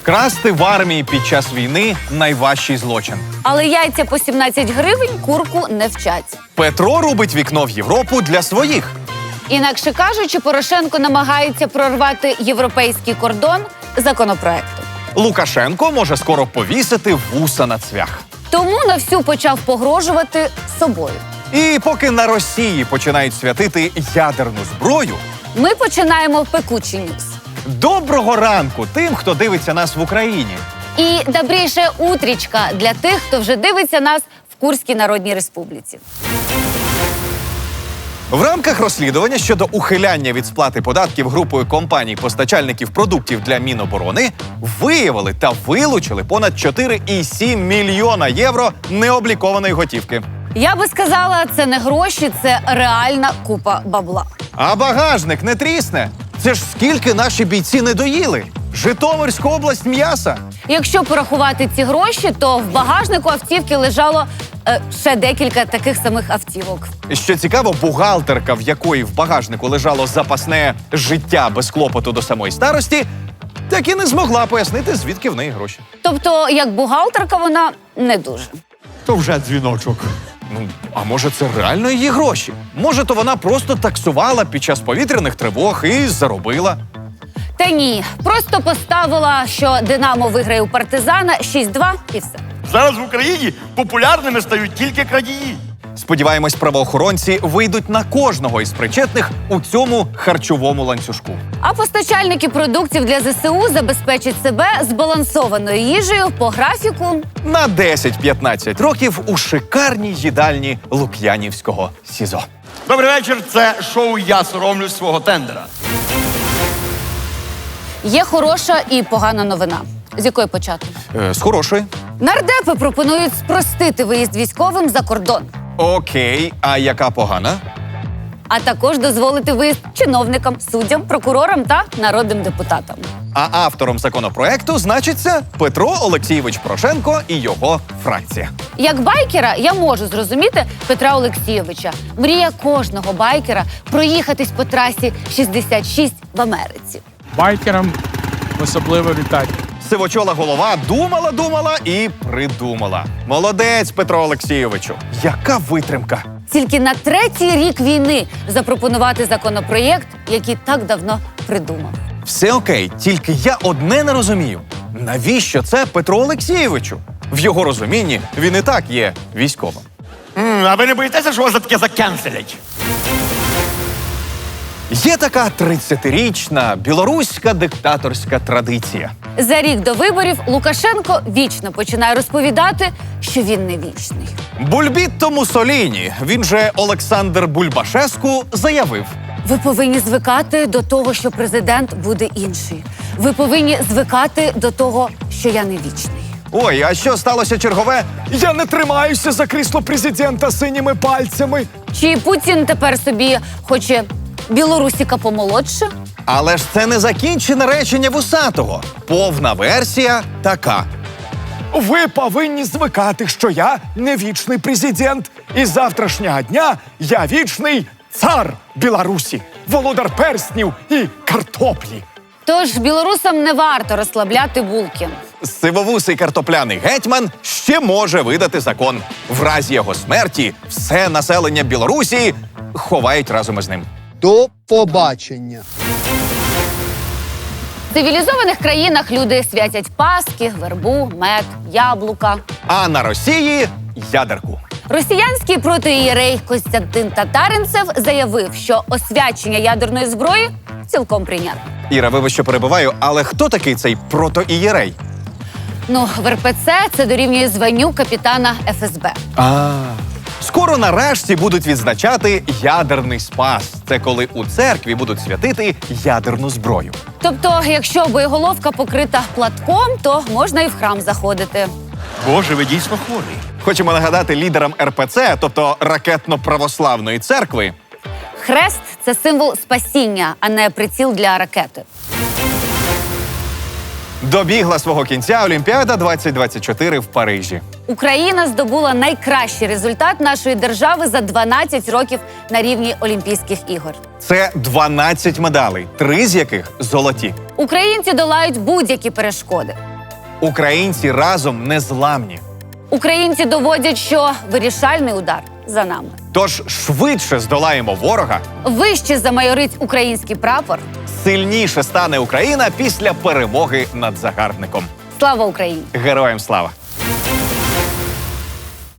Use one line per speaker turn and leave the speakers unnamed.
Красти в армії під час війни – найважчий злочин.
Але яйця по 17 гривень курку не вчать.
Петро рубить вікно в Європу для своїх.
Інакше кажучи, Порошенко намагається прорвати європейський кордон законопроектом.
Лукашенко може скоро повісити вуса на цвях.
Тому на всю почав погрожувати собою.
І поки на Росії починають святити ядерну зброю,
Ми починаємо пекучий ньюс.
доброго ранку тим, хто дивиться нас в Україні.
І добріше утрічка для тих, хто вже дивиться нас в Курській Народній Республіці.
В рамках розслідування щодо ухиляння від сплати податків групою компаній-постачальників продуктів для Міноборони виявили та вилучили понад 4,7 мільйона євро необлікованої готівки.
Я би сказала, це не гроші, це реальна купа бабла.
А багажник не трісне. Це ж скільки наші бійці не доїли. Житомирська область м'яса.
Якщо порахувати ці гроші, то в багажнику автівки лежало ще декілька таких самих автівок.
Що цікаво, бухгалтерка, в якої в багажнику лежало запасне життя без клопоту до самої старості, так і не змогла пояснити, звідки в неї гроші.
Тобто, як бухгалтерка, вона не дуже.
То вже дзвіночок.
Ну, а може це реально її гроші? Може, то вона просто таксувала під час повітряних тривог і заробила?
Та ні, просто поставила, що «Динамо» виграє у «Партизана» 6-2 і все.
Зараз в Україні популярними стають тільки крадії.
Сподіваємось, правоохоронці вийдуть на кожного із причетних у цьому харчовому ланцюжку.
А постачальники продуктів для ЗСУ забезпечать себе збалансованою їжею по графіку.
На 10-15 років у шикарній їдальні Лук'янівського СІЗО.
Добрий вечір, це шоу «Я соромлюсь свого тендера».
Є хороша і погана новина. З якої почати?
З хорошої.
Нардепи пропонують спростити виїзд військовим за кордон.
Окей, а яка погана?
А також дозволити виїзд чиновникам, суддям, прокурорам та народним депутатам.
А автором законопроекту значиться Петро Олексійович Порошенко і його фракція.
Як байкера я можу зрозуміти Петра Олексійовича. Мрія кожного байкера проїхатись по трасі 66 в Америці.
Байкерам особливо вітання.
Сивочола голова думала і придумала. Молодець, Петро Олексійовичу. Яка витримка.
Тільки на 3-й рік війни запропонувати законопроєкт, який так давно придумав.
Все окей, тільки я одне не розумію. Навіщо це Петру Олексійовичу? В його розумінні він і так є військовим.
А ви не боїтеся, що вас за таке закенселять?
Є така 30-річна білоруська диктаторська традиція.
За рік до виборів Лукашенко вічно починає розповідати, що він не вічний.
Бульбітто Муссоліні, він же Олександр Бульбашеску, заявив:
Ви повинні звикати до того, що президент буде інший. Ви повинні звикати до того, що я не вічний.
ой, а що сталося чергове? Я не тримаюся за крісло президента синіми пальцями.
Чи Путін тепер собі хоче білорусіка помолодше?
Але ж це не закінчене речення Вусатого. Повна версія така.
Ви повинні звикати, що я не вічний президент. І з завтрашнього дня я вічний цар Білорусі, володар перснів і картоплі.
Тож білорусам не варто розслабляти булки.
Сивовусий картопляний гетьман ще може видати закон. В разі його смерті все населення Білорусі ховають разом із ним.
До побачення.
В цивілізованих країнах люди святять паски, вербу, мед, яблука.
А на Росії ядерку.
Росіянський протоієрей Костянтин Татаринцев заявив, що освячення ядерної зброї цілком прийнятно.
Іра, вибач, що перебиваю, але хто такий цей протоієрей?
Ну, в РПЦ це дорівнює званню капітана ФСБ.
Скоро нарешті будуть відзначати ядерний спас. Це коли у церкві будуть святити ядерну зброю.
Тобто, якщо боєголовка покрита платком, то можна і в храм заходити.
Боже, ви дійсно хворий.
Хочемо нагадати лідерам РПЦ, тобто ракетно-православної церкви.
Хрест – це символ спасіння, а не приціл для ракети.
Добігла свого кінця Олімпіада 2024 в Парижі.
Україна здобула найкращий результат нашої держави за 12 років на рівні Олімпійських ігор.
Це 12 медалей, 3 з яких золоті.
Українці долають будь-які перешкоди.
Українці разом незламні.
Українці доводять, що вирішальний удар за нами.
Тож швидше здолаємо ворога,
Вище замайорить український прапор.
сильніше стане Україна після перемоги над загарбником.
Слава Україні!
Героям слава!